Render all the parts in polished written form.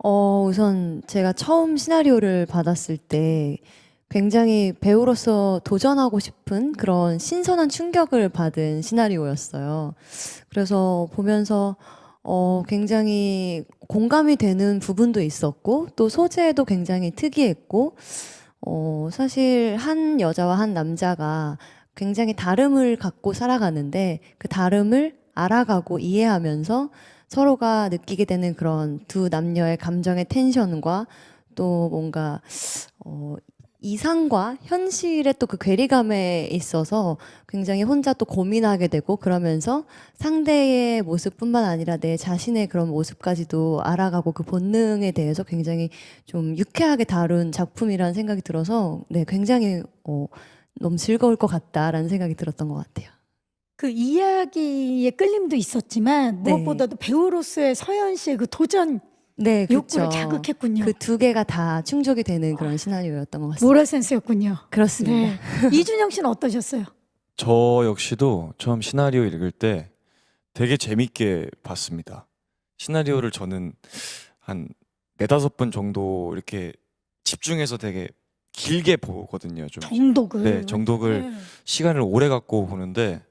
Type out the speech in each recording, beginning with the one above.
우선 제가 처음 시나리오를 받았을 때 굉장히 배우로서 도전하고 싶은 그런 신선한 충격을 받은 시나리오였어요. 그래서 보면서 굉장히 공감이 되는 부분도 있었고, 또 소재도 굉장히 특이했고, 사실 한 여자와 한 남자가 굉장히 다름을 갖고 살아가는데 그 다름을 알아가고 이해하면서 서로가 느끼게 되는 그런 두 남녀의 감정의 텐션과 또 뭔가 어, 이상과 현실의 또 그 괴리감에 있어서 굉장히 혼자 또 고민하게 되고 그러면서 상대의 모습뿐만 아니라 내 자신의 그런 모습까지도 알아가고 그 본능에 대해서 굉장히 좀 유쾌하게 다룬 작품이라는 생각이 들어서 네, 굉장히 너무 즐거울 것 같다라는 생각이 들었던 것 같아요. 그 이야기의 끌림도 있었지만 네. 무엇보다도 배우로서의 서현 씨의 그 도전 네, 욕구를 그렇죠. 자극했군요. 그 두 개가 다 충족이 되는 그런 시나리오였던 것 같습니다. 모라센스였군요. 그렇습니다. 네. 이준영 씨는 어떠셨어요? 저 역시도 처음 시나리오 읽을 때 되게 재밌게 봤습니다. 시나리오를 저는 한 네다섯 번 정도 이렇게 집중해서 되게 길게 보거든요. 좀 정독을. 네, 정독을 네. 시간을 오래 갖고 보는데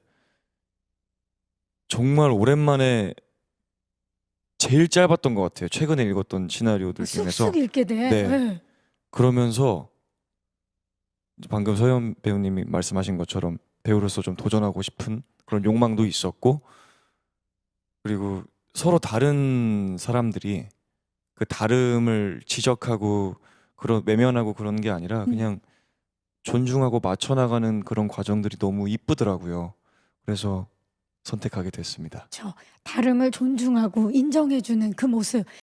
정말 오랜만에 제일 짧았던 것 같아요. 최근에 읽었던 시나리오들 중에서. 쑥쑥 읽게 돼. 네. 네. 그러면서 방금 서현 배우님이 말씀하신 것처럼 배우로서 좀 도전하고 싶은 그런 욕망도 있었고, 그리고 서로 다른 사람들이 그 다름을 지적하고 그런 외면하고 그런 게 아니라 그냥 존중하고 맞춰 나가는 그런 과정들이 너무 이쁘더라고요. 그래서 선택하게 됐습니다. 다름을 존중하고 인정해주는 그 모습.